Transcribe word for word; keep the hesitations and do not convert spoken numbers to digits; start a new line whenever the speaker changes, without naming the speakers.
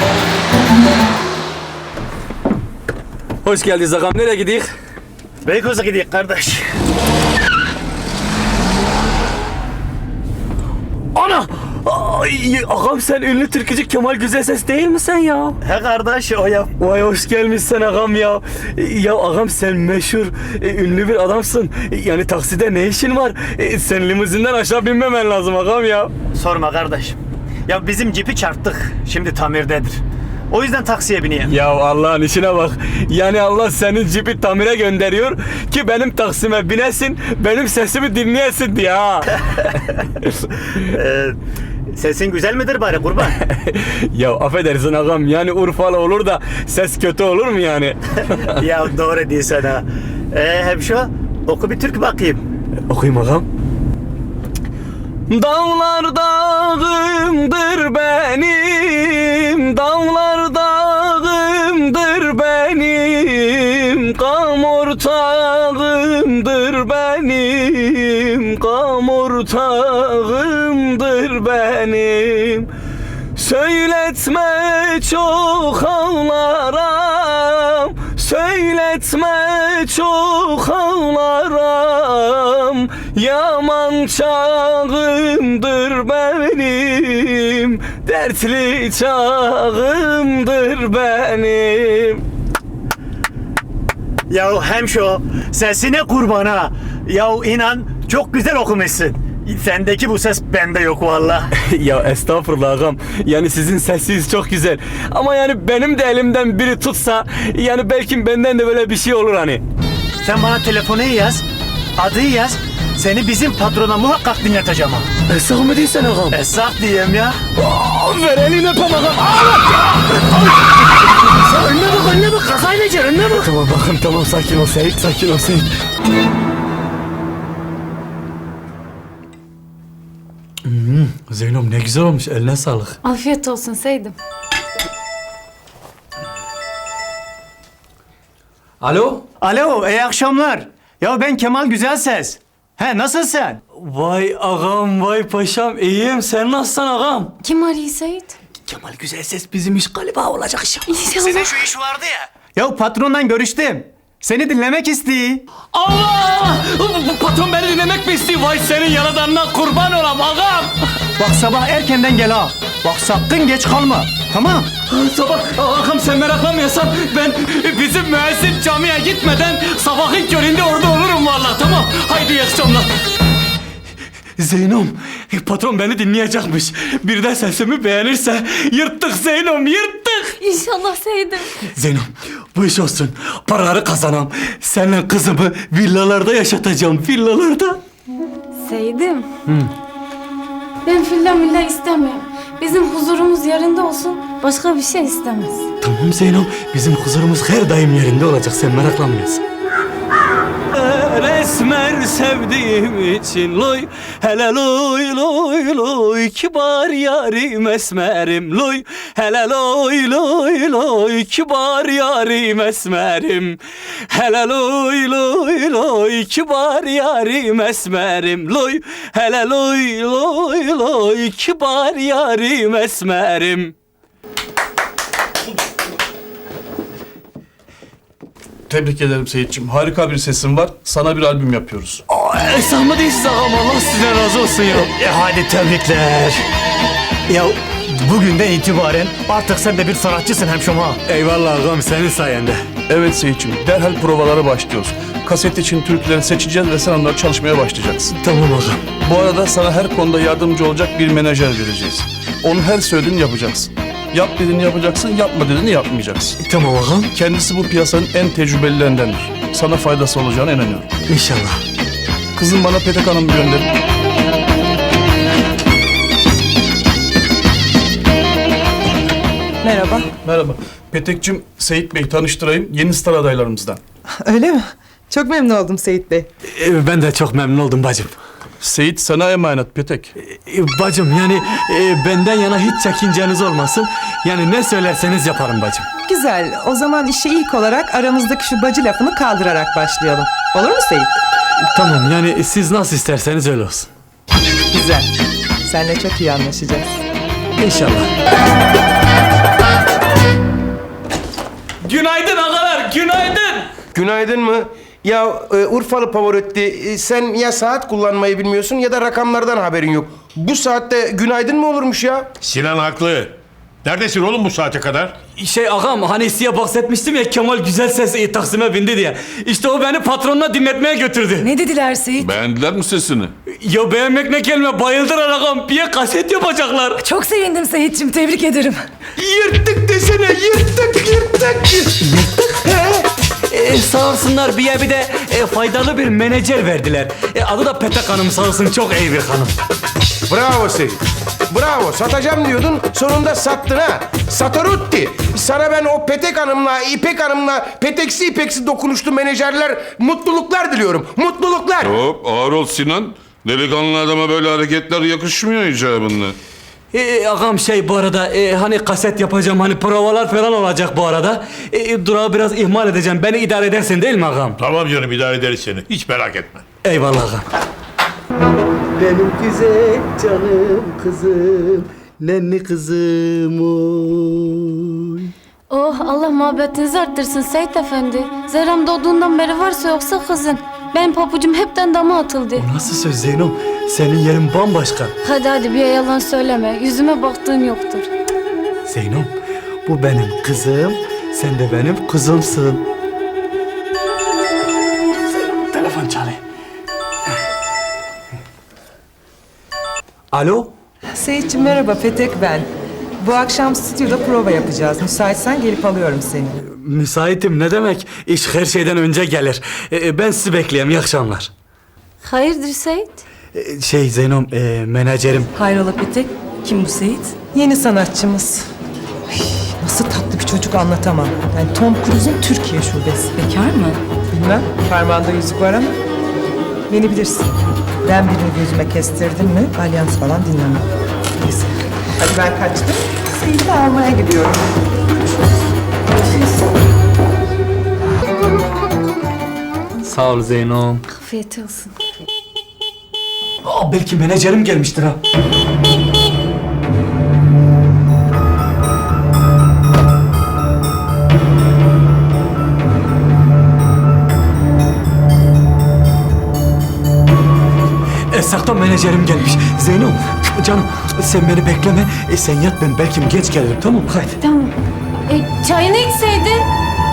Hoş geldiniz ağam. Nereye gidiyor?
Beykoz'a gidiyor kardeş.
Ana! Ay, ağam sen ünlü türkücü Kemal Güzelses değil misin ya?
He kardeş o ya.
Vay hoş gelmişsin ağam ya. Ya ağam sen meşhur, e, ünlü bir adamsın. E, Yani takside ne işin var? E, Sen limuzinden aşağı binmemen lazım ağam ya.
Sorma kardeş. Ya bizim cipi çarptık. Şimdi tamirdedir. O yüzden taksiye bineyim.
Ya Allah'ın işine bak. Yani Allah senin cipi tamire gönderiyor ki benim taksime binesin, benim sesimi dinleyesin diye ha.
Ee, sesin güzel midir bari kurban?
Ya affedersin ağam, yani Urfalı olur da ses kötü olur mu yani?
Ya doğru değilsen ha. Ee, hemşo oku bir türkü bakayım.
Okuyayım ağam. Dağlar dağımdır benim, dağlar dağımdır benim, kam ortağımdır benim, kam ortağımdır benim. Söyletme çok ağlarım, söyletme çok ağlarım, yaman çağımdır benim, dertli çağımdır benim.
Ya hemşo sesine kurban ha. Ya inan çok güzel okumuşsun. Sendeki bu ses bende yok valla.
Ya estağfurullah ağam. Yani sizin sesiniz çok güzel. Ama yani benim de elimden biri tutsa, yani belki benden de böyle bir şey olur hani.
Sen bana telefonu yaz, adı yaz. Seni bizim patrona muhakkak dinleteceğim ha.
Esnaf mı değilsen ağam?
Esnaf diyeyim ya.
Aa, ver elini öpem ağam.
Sen önüne bak, önüne bak. Kazayla gel, önüne bak.
Tamam bakın, tamam, sakin ol Seyit, sakin ol Seyit. Hmm, Zeynep ne güzel olmuş, eline sağlık.
Afiyet olsun Seydim.
Alo?
Alo, iyi akşamlar. Ya ben Kemal Güzelses. He, nasılsın?
Vay ağam, vay paşam, iyiyim. Sen nasılsın ağam?
Kim arıyor Seyit?
Kemal Güzelses bizim iş galiba olacak iş.
İnşallah.
şu iş vardı ya. Ya patronla görüştüm. Seni dinlemek istiyor.
Allah! Bu patron beni dinlemek mi istiyor? Vay senin yaradanına kurban olam ağam.
Bak sabah erkenden gel ha. Bak sakın geç kalma. Tamam.
Sabah ağam sen meraklanmıyorsan ben bizim müezzin camiye gitmeden sabahın köründe orada olurum vallahi, tamam. Haydi iyi akşamlar. Zeynom, patron beni dinleyecekmiş. Bir de sesimi beğenirse yırttık Zeynom, yırttık.
İnşallah Seydim.
Zeynom, bu iş olsun. Paraları kazanam. Seninle kızımı villalarda yaşatacağım, villalarda.
Seydim. Ben filla milla istemiyorum. Bizim huzurumuz yerinde olsun. Başka bir şey istemez.
Tamam Zeynom, bizim huzurumuz her daim yerinde olacak, sen meraklanmıyorsun. Esmer sevdiğim için loy, hele loy loy loy, kibar yarim esmerim loy, hele loy loy loy, kibar yarim esmerim, hele loy loy loy, kibar yarim esmerim loy, hele loy loy loy, kibar yarim esmerim.
Tebrik ederim Seyitciğim. Harika bir sesin var. Sana bir albüm yapıyoruz.
Esam mı değilsiniz ağam, Allah sizden razı olsun ya.
E, hadi tebrikler. Ya bugünden itibaren artık sen de bir sanatçısın hemşom ha.
Eyvallah ağam, senin sayende.
Evet Seyitciğim. Derhal provalara başlıyoruz. Kaset için türküleri seçeceğiz ve sen onları çalışmaya başlayacaksın.
Tamam ağam.
Bu arada sana her konuda yardımcı olacak bir menajer vereceğiz. Onun her söylediğini yapacaksın. Yap dediğini yapacaksın, yapma dediğini yapmayacaksın.
Tamam ağam.
Kendisi bu piyasanın en tecrübelilerindendir. Sana faydası olacağına inanıyorum.
İnşallah.
Kızım bana Petek Hanım gönderin.
Merhaba.
Merhaba. Petek'cim, Seyit Bey tanıştırayım. Yeni star adaylarımızdan.
Öyle mi? Çok memnun oldum Seyit Bey.
Ee, ben de çok memnun oldum bacım.
Seyit sana emanet Petek.
Ee, bacım yani e, benden yana hiç çekinceniz olmasın. Yani ne söylerseniz yaparım bacım.
Güzel. O zaman işe ilk olarak aramızdaki şu bacı lafını kaldırarak başlayalım. Olur mu Seyit?
Tamam, yani siz nasıl isterseniz öyle olsun.
Güzel. Seninle çok iyi anlaşacağız.
İnşallah.
Günaydın mı? Ya e, Urfalı Pavarotti, e, sen ya saat kullanmayı bilmiyorsun ya da rakamlardan haberin yok. Bu saatte günaydın mı olurmuş ya?
Sinan haklı. Neredesin oğlum bu saate kadar?
Şey ağam hani size bahsetmiştim ya Kemal güzel ses e, Taksim'e bindi diye. İşte o beni patronuna dinletmeye götürdü.
Ne dediler Seyit?
Beğendiler mi sesini?
Ya beğenmek ne kelime bayıldılar ağam. Bir kaset yapacaklar.
Çok sevindim Seyit'ciğim, tebrik ederim.
Yırttık desene, yırttık, yırttık.
E, sağ olsunlar bir bir de e, faydalı bir menajer verdiler. E, adı da Petek Hanım sağ olsun çok iyi bir hanım.
Bravo Seyit. Bravo. Satacağım diyordun, sonunda sattın ha. Satarutti. Sana ben o Petek Hanım'la, İpek Hanım'la peteksi ipeksi dokunuşlu menajerler mutluluklar diliyorum. Mutluluklar.
Hop ağır ol Sinan. Delikanlı adama böyle hareketler yakışmıyor icabında.
E, ağam şey bu arada e, hani kaset yapacağım hani provalar falan olacak bu arada. E, durağı biraz ihmal edeceğim. Beni idare edersin değil mi ağam?
Tamam canım idare ederiz seni. Hiç merak etme.
Eyvallah ağam.
Benim güzel canım kızım, nenni kızım oy.
Oh Allah muhabbetinizi arttırsın Seyit Efendi. Zerrem doğduğundan beri varsa yoksa kızın. Benim papucum hepten dama atıldı.
Nasıl söz Zeynom? Senin yerin bambaşka.
Hadi hadi bir yalan söyleme. Yüzüme baktığın yoktur.
Zeynom bu benim kızım. Sen de benim kızımsın. Telefon çalıyor. Alo?
Seyitciğim merhaba, Petek ben. Bu akşam stüdyoda prova yapacağız. Müsaitsen gelip alıyorum seni.
Müsaitim ne demek? İş her şeyden önce gelir. Ee, ben sizi bekleyeyim. İyi akşamlar.
Hayırdır Seyit?
Ee, şey Zeynom, e, menajerim.
Hayrola Petek, kim bu Seyit?
Yeni sanatçımız. Ay, nasıl tatlı bir çocuk anlatamam. Yani Tom Cruise'un Türkiye şubesi.
Bekar mı?
Bilmem, parmağında yüzük var ama beni bilirsin. Ben birini gözüme kestirdim mi alyans falan dinlemem. Neyse, hadi ben kaçtım. Seyit'i almaya gidiyorum.
Sağ ol Zeynom.
Afiyet olsun.
Aa, belki menajerim gelmiştir ha. Esak'tan menajerim gelmiş. Zeynom, canım sen beni bekleme. E, sen yat ben belki geç gelirim tamam mı? Haydi.
Tamam. E, çayını içseydin.